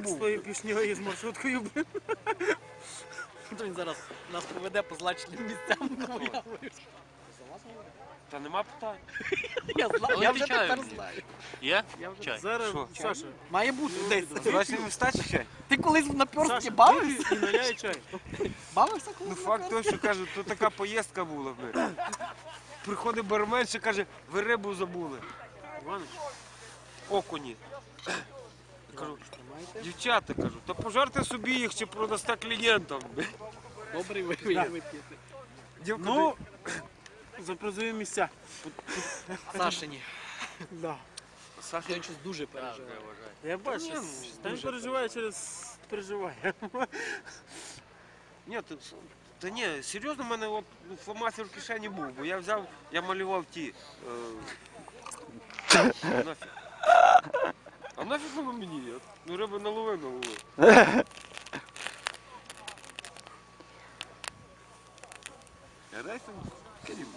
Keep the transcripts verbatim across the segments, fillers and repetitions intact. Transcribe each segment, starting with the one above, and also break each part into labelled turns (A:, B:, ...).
A: був.
B: З твоєю пішньою і з маршруткою, блин.
C: Він зараз нас поведе по злачним місцям.
A: Та нема питань.
C: Я знаю, я вже
D: чаю
C: тепер
D: мені.
C: знаю.
D: Є?
C: Я вже-
D: Чай.
B: Зараз,
A: Що?
B: Саша,
C: Має бути десь.
A: Злачні міста чи чай?
C: Ти колись на пьорсті
B: Саша,
C: бавився?
B: випий і наляй чай.
C: Бавився
A: Ну
C: колись на
A: факт
C: пьорсті?
A: той, що кажуть, то така поїздка була. Бля. Приходить бармен, ще каже, ви рибу забули.
B: Іванович,
A: Окуні. Кажу,
B: тримайте.
A: дівчата, кажу, то пожарте собі їх чи продасте клієнтам. Бля.
C: Добрий вип'єте.
A: Дівка,
B: Ну, за призові місця.
C: Сашині.
B: Да.
A: Саша,
C: Я щось дуже переживаю.
B: Я бачу,
A: Ні, ну,
B: та він переживає через переживає.
A: ні, то, та ні, серйозно, в мене от, ну, фломастер в кишені був, бо я взяв, я малював ті. Е, нафіг. А нафіг воно мені? От, ну риби налови налови. Я дай там Карім.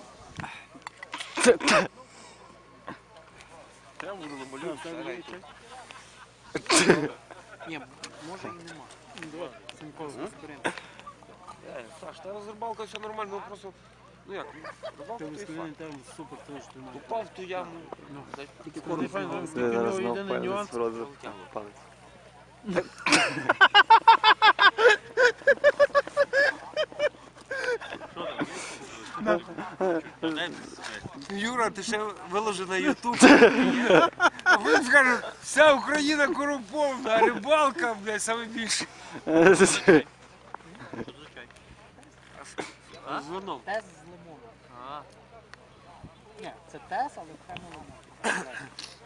A: Треба буду намалювати. старий.
C: Ні, може і нема.
B: Давай, Сімко, зберемо.
A: Е, Саш, та з рибалкою все нормально, ну просто, ну як, рибалка
B: Ти
A: то і
B: вискляний
A: факт.
B: термос, супер, тому що ти маєш.
A: Упав в ту яму.
B: Ну.
C: Тільки
B: Це не
C: коротко.
B: файно,
E: Це
B: тільки в
E: зараз
B: нього
E: знов
B: єдиний нюанс.
E: палець в рот за- палець.
A: Юра, ти ще виложи на Ютуб. А ви скажуть, вся Україна корумпована, а рибалка, блядь, саме більше.
D: А?
A: З вином.
C: Тес з лимоном.
D: А.
C: Ні, це тес, але окремо лимон.